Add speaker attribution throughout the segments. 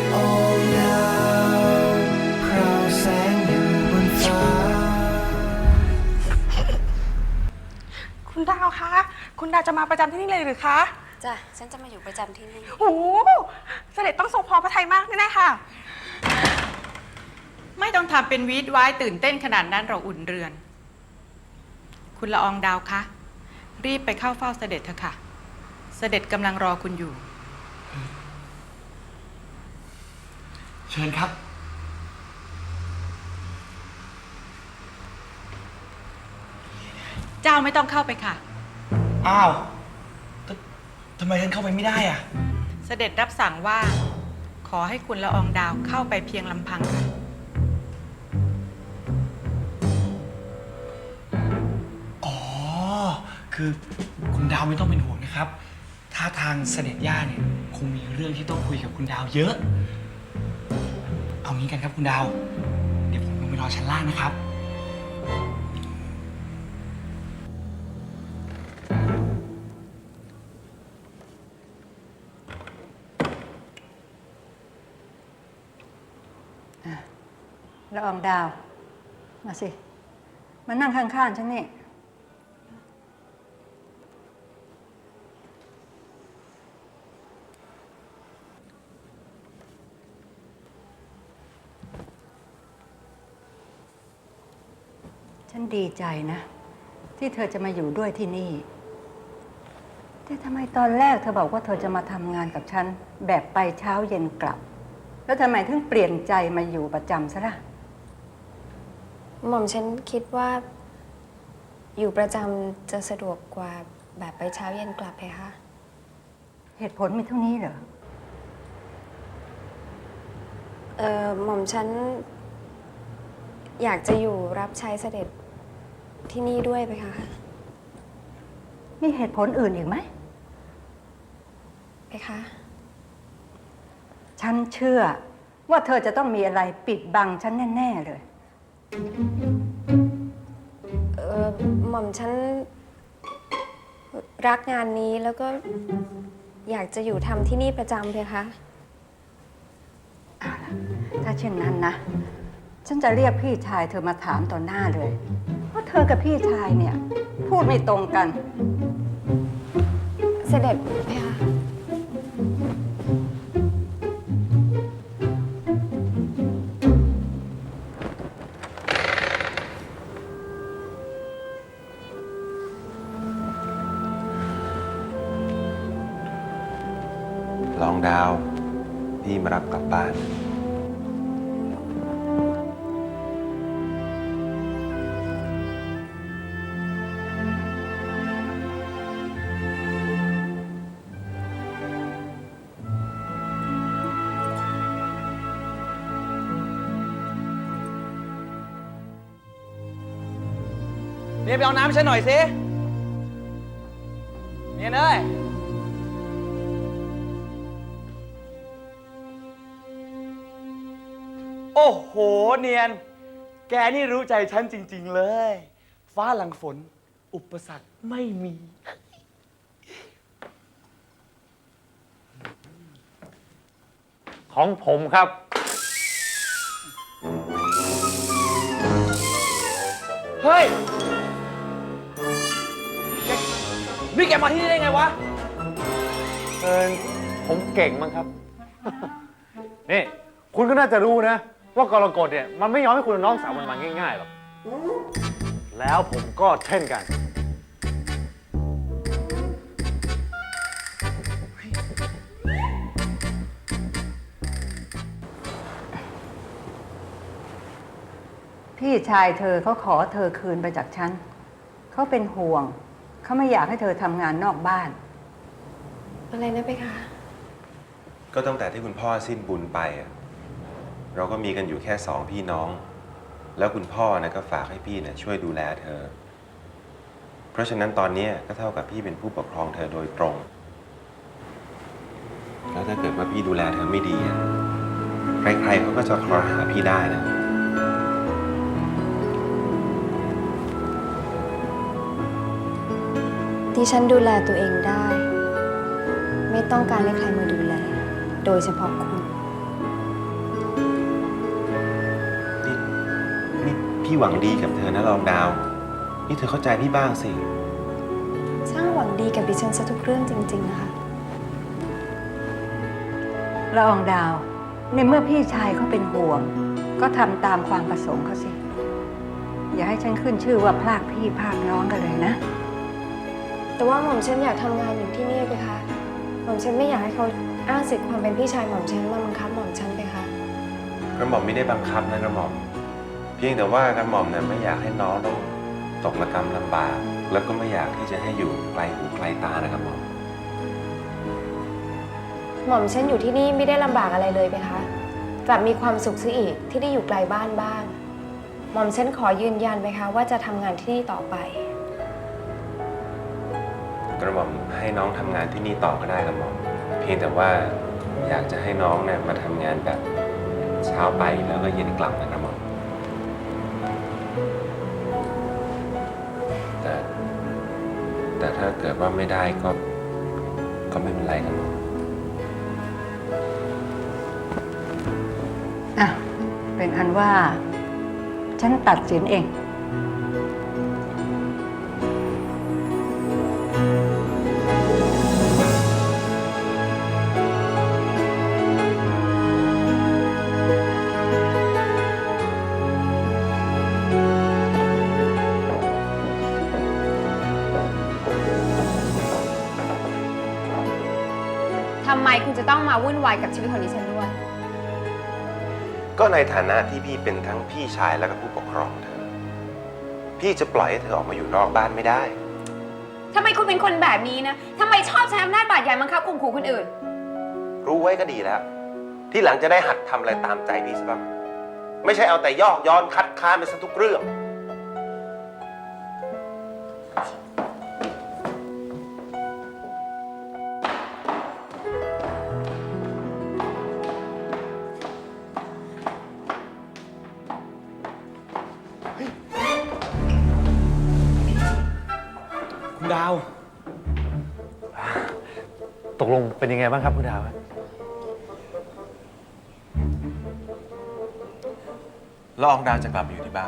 Speaker 1: องดาวพราวแสงอยู่บนฟ้า
Speaker 2: คุณดาวคะ คุณดาวจะมาประจำที่นี่เลยหรือคะ
Speaker 3: จ้ะ ฉันจะมาอยู่ประจำที่นี่
Speaker 2: โอ้โหเสด็จต้องทรงพอพระทัยมากแน่ๆค่ะ
Speaker 4: ไม่ต้องทำเป็นวีดว้ายตื่นเต้นขนาดนั้นเราอุ่นเรือน คุณละอองดาวคะ รีบไปเข้าเฝ้าเสด็จเถอะค่ะ เสด็จกำลังรอคุณอยู่
Speaker 5: เชิญครับ
Speaker 4: เจ้าไม่ต้องเข้าไปค่ะ
Speaker 5: อ้าวทำไมฉันเข้าไปไม่ได้อ่ะ
Speaker 4: เสด็จรับสั่งว่า ขอให้คุณละอองดาวเข้าไปเพียงลำพังค่ะ
Speaker 5: อ๋อ คือคุณดาวไม่ต้องเป็นห่วงนะครับ ถ้าทางเสด็จย่าเนี่ยคงมีเรื่องที่ต้องคุยกับคุณดาวเยอะ เอางี้กันครับคุณดาว เดี๋ยวผมลงไปรอชั้นล่างนะครับ
Speaker 6: ละอองดาว มาสิ มานั่งข้างๆฉันนี่ ฉันดีใจนะ ที่เธอจะมาอยู่ด้วยที่นี่ แต่ทำไมตอนแรกเธอบอกว่าเธอจะมาทำงานกับฉัน แบบไปเช้าเย็นกลับ แล้วทำไมถึงเปลี่ยนใจมาอยู่ประจำซะล่ะ
Speaker 3: หม่อมฉันคิดว่า อยู่ประจำจะสะดวกกว่าแบบไปเช้าเย็นกลับเพคะ
Speaker 6: เหตุผลมีเท่านี้เหรอ
Speaker 3: หม่อมฉันอยากจะอยู่รับใช้เสด็จที่นี่ด้วยเพคะ
Speaker 6: มีเหตุผลอื่นอีกไหม
Speaker 3: เพคะ
Speaker 6: ฉันเชื่อว่าเธอจะต้องมีอะไรปิดบังฉันแน่ๆเลย
Speaker 3: หม่อมฉันรักงานนี้แล้วก็อยากจะอยู่ทำที่นี่ประจำเพคะ
Speaker 6: เอาล่ะ ถ้าเช่นนั้นนะ ฉันจะเรียกพี่ชายเธอมาถามต่อหน้าเลยว่าเธอกับพี่ชายเนี่ยพูดไม่ตรงกัน
Speaker 3: เสด็จเพคะ
Speaker 7: ลองดาว พี่มารับกลับบ้าน
Speaker 5: เนี่ยไปเอาน้ำฉันหน่อยสิเนี่ยเนยโอ้โห เนียน แกนี่รู้ใจฉันจริง ๆ เลย ฟ้าหลังฝน อุปสรรคไม่มี
Speaker 8: ของผมครับ
Speaker 5: เฮ้ย นี่แกมาที่นี่ได้ไงวะ
Speaker 8: ผมเก่งมั้งครับ นี่ คุณก็น่าจะรู้นะ ว่ากรกฎเนี่ย มันไม่ยอมให้คุณน้องสาวมันมาง่ายๆหรอก แล้วผมก็เช่นกัน
Speaker 6: พี่ชายเธอเขาขอเธอคืนไปจากฉัน เขาเป็นห่วง เขาไม่อยากให้เธอทำงานนอกบ้าน
Speaker 3: อะไรนะเพคะ
Speaker 7: ก็ตั้งแต่ที่คุณพ่อสิ้นบุญไปอะเราก็มีกันอยู่แค่2 พี่น้อง แล้วคุณพ่อนะก็ฝากให้พี่เนี่ยช่วยดูแลเธอ เพราะฉะนั้นตอนนี้ก็เท่ากับพี่เป็นผู้ปกครองเธอโดยตรง แล้วถ้าเกิดว่าพี่ดูแลเธอไม่ดีอะใครๆเขาก็จะคลอหาพี่ได้นะ
Speaker 3: ที่ฉันดูแลตัวเองได้ ไม่ต้องการให้ใครมาดูแล โดยเฉพาะคุณ
Speaker 7: พี่หวังดีกับเธอนะละอองดาวนี่เธอเข้าใจพี่บ้างสิ
Speaker 3: ช่างหวังดีกับดิฉันซะทุกเรื่องจริงๆนะคะ
Speaker 6: ละอองดาว ในเมื่อพี่ชายเขาเป็นห่วง ก็ทำตามความประสงค์เขาสิ อย่าให้ฉันขึ้นชื่อว่าพลากพี่พลากน้องกันเลยนะ
Speaker 3: แต่ว่าหม่อมฉันอยากทำงานอยู่ที่นี่ไปคะหม่อมฉันไม่อยากให้เขาอ้างสิทธิ์ความเป็นพี่ชายหม่อมฉันมาบังคับหม่อมฉันไปคะ
Speaker 7: กระหม่อมไม่ได้บังคับนะกระหม่อมเพียงแต่ว่ากระหม่อมเนี่ยไม่อยากให้น้องต้องตกระกำลำบาก แล้วก็ไม่อยากที่จะให้อยู่ไกลหูไกลตานะกระหม่อม
Speaker 3: หม่อมฉันอยู่ที่นี่ไม่ได้ลำบากอะไรเลยไปคะกลับมีความสุขซะอีกที่ได้อยู่ไกลบ้านบ้าง หม่อมฉันขอยืนยันไปคะว่าจะทำงานที่นี่ต่อไป
Speaker 7: กระหม่อมให้น้องทำงานที่นี่ต่อก็ได้กระหม่อมเพียงแต่ว่าอยากจะให้น้องเนี่ยมาทำงานแบบเช้าไปแล้วก็เย็นกลับนะกระหม่อมแต่ถ้าเกิดว่าไม่ได้ก็ไม่เป็นไรกระหม่อม
Speaker 6: อ่ะ เป็นอันว่า ฉันตัดสินเอง
Speaker 3: ทำไมคุณจะต้องมาวุ่นวายกับชีวิตของดิฉันด้วย
Speaker 7: ก็ในฐานะที่พี่เป็นทั้งพี่ชายและก็ผู้ปกครองเธอ พี่จะปล่อยให้เธอออกมาอยู่นอกบ้านไม่ได้
Speaker 3: ทำไมคุณเป็นคนแบบนี้นะ ทำไมชอบใช้อำนาจบาดใหญ่บังคับข่มขู่คนอื่น
Speaker 7: รู้ไว้ก็ดีแล้ว ที่หลังจะได้หัดทำอะไรตามใจพี่ซะบ้างไม่ใช่เอาแต่ยอกย้อนคัดค้านไปซะทุกเรื่อง
Speaker 5: คุณดาว
Speaker 8: ตกลงเป็นยังไงบ้างครับคุณดาว
Speaker 7: ละอองดาวจะกลับมาอยู่ที่บ้าน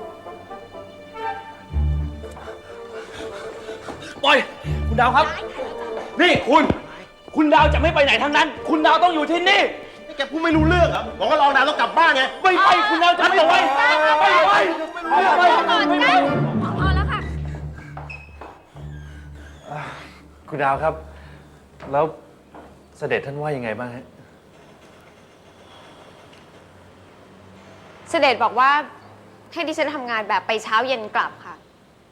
Speaker 5: ปล่อย คุณดาวครับ นี่คุณดาวจะไม่ไปไหนทั้งนั้น คุณดาวต้องอยู่ที่นี่
Speaker 9: นี่แกพูดไม่รู้เรื่องเหรอบอกว่าละอองดาวต้องกลับบ้านไง
Speaker 5: ไม่ไป คุณดาวจะไม่ไปไม่ไป
Speaker 3: พอแล้วค่ะ
Speaker 8: คุณดาวครับ แล้วเสด็จท่านว่ายังไงบ้างฮะ
Speaker 3: เสด็จบอกว่าให้ดิฉันทำงานแบบไปเช้าเย็นกลับค่ะ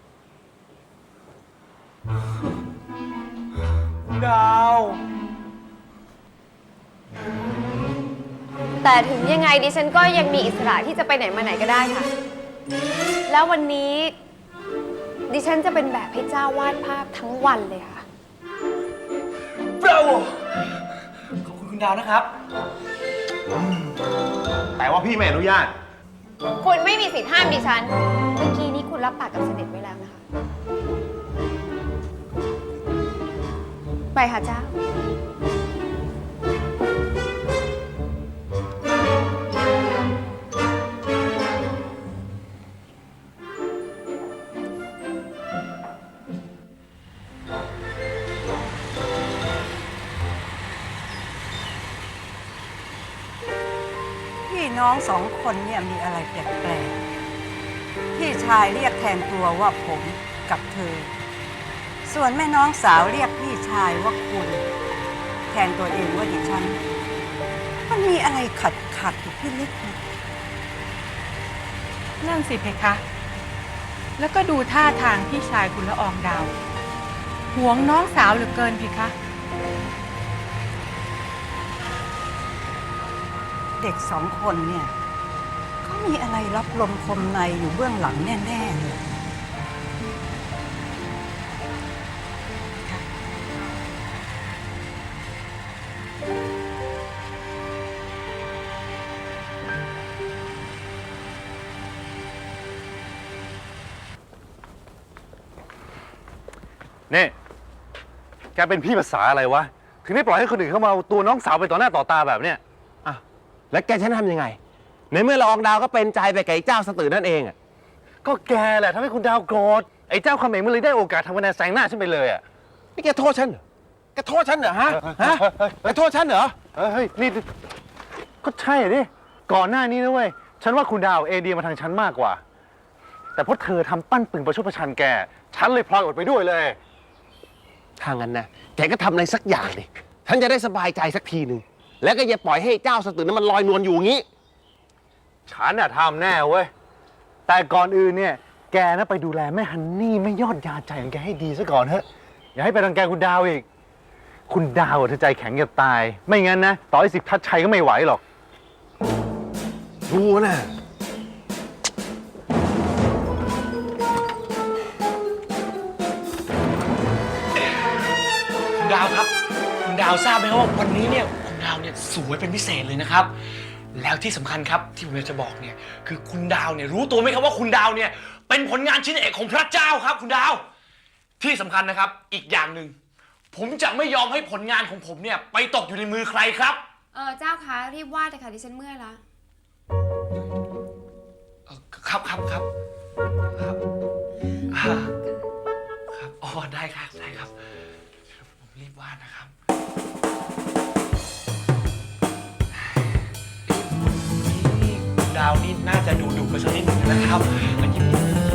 Speaker 5: คุณดาว
Speaker 3: แต่ถึงยังไงดิฉันก็ยังมีอิสระที่จะไปไหนมาไหนก็ได้ค่ะ แล้ววันนี้ดิฉันจะเป็นแบบให้เจ้าวาดภาพทั้งวันเลยค่ะ
Speaker 5: บราโวขอบคุณคุณดาวนะครับ
Speaker 9: แต่ว่าพี่ไม่อนุญาต
Speaker 3: คุณไม่มีสิทธิ์ห้ามดิฉัน เมื่อกี้นี้คุณรับปากกับเสด็จไว้แล้วนะคะ ไปค่ะเจ้า
Speaker 6: พี่น้องสองคนเนี่ยมีอะไรแปลกๆ พี่ชายเรียกแทนตัวว่าผมกับเธอ ส่วนแม่น้องสาวเรียกพี่ชายว่าคุณ แทนตัวเองว่าดิฉัน มันมีอะไรขัดอยู่พี่เล็กนะ
Speaker 4: นั่นสิเพคะ แล้วก็ดูท่าทางพี่ชายคุณละอองดาวหวงน้องสาวเหลือเกินเพคะ
Speaker 6: เด็กสองคนเนี่ยเขามีอะไรรับลมคมในอยู่เบื้องหลังแน่ๆเลย
Speaker 8: นี่ แกเป็นพี่ภาษาอะไรวะ ถึงได้ปล่อยให้คนอื่นเข้ามาเอาตัวน้องสาวไปต่อหน้าต่อตาแบบเนี้ย
Speaker 9: แล้วแกฉันทำยังไง ในเมื่อละอองดาวก็เป็นใจไปกับไอ้เจ้าสตือนั่นเองอะ
Speaker 8: ก็แกแหละทำให้คุณดาวโกรธไอ้เจ้าคำเองมันเลยได้โอกาสทำคะแนนแซงหน้าฉันไปเลยอ่ะ
Speaker 9: นี่แกโทษฉันเหรอ แกโทษฉันเหรอฮะ แกโทษฉันเหรอ
Speaker 8: เฮ้ยนี่ก็ใช่ดิก่อนหน้านี้นะเว้ยฉันว่าคุณดาวเอเดียมาทางฉันมากกว่า แต่เพราะเธอทำปั้นปึงประชดประชันแกฉันเลยพลอยอดไปด้วยเลย
Speaker 9: ถ้างั้นนะ แกก็ทำอะไรสักอย่างดิฉันจะได้สบายใจสักทีหนึ่ง แล้วก็อย่าปล่อยให้เจ้าสตึกนั้นมันลอยนวลอยู่อย่างนี้
Speaker 8: ฉันน่ะทำแน่เว้ยแต่ก่อนอื่นเนี่ยแกนะไปดูแลแม่ฮันนี่ไม่ยอดยาใจของแกให้ดีซะก่อนเถอะอย่าให้ไปรังแกคุณดาวอีกคุณดาวเธอใจแข็งจะตาย ไม่งั้นนะต่อให้10 ทัดชัยก็ไม่ไหวหรอก
Speaker 9: รู้นะ
Speaker 5: คุณดาวครับ คุณดาวทราบไหมครับว่าวันนี้เนี่ยคุณดาวเนี่ยสวยเป็นพิเศษเลยนะครับ แล้วที่สำคัญครับที่ผมอยากจะบอกเนี่ยคือคุณดาวเนี่ยรู้ตัวไหมครับว่าคุณดาวเนี่ยเป็นผลงานชิ้นเอกของพระเจ้าครับคุณดาวที่สำคัญนะครับอีกอย่างหนึ่งผมจะไม่ยอมให้ผลงานของผมเนี่ยไปตกอยู่ในมือใครครับ
Speaker 3: เจ้าคะรีบวาดเลยค่ะดิฉันเมื่อยละ
Speaker 5: ครับครับครับครับครับอ๋อได้ครับได้ครับผมรีบวาดนะครับดาวนี่น่าจะดุไปสักนิดหนึ่งนะครับอันนี้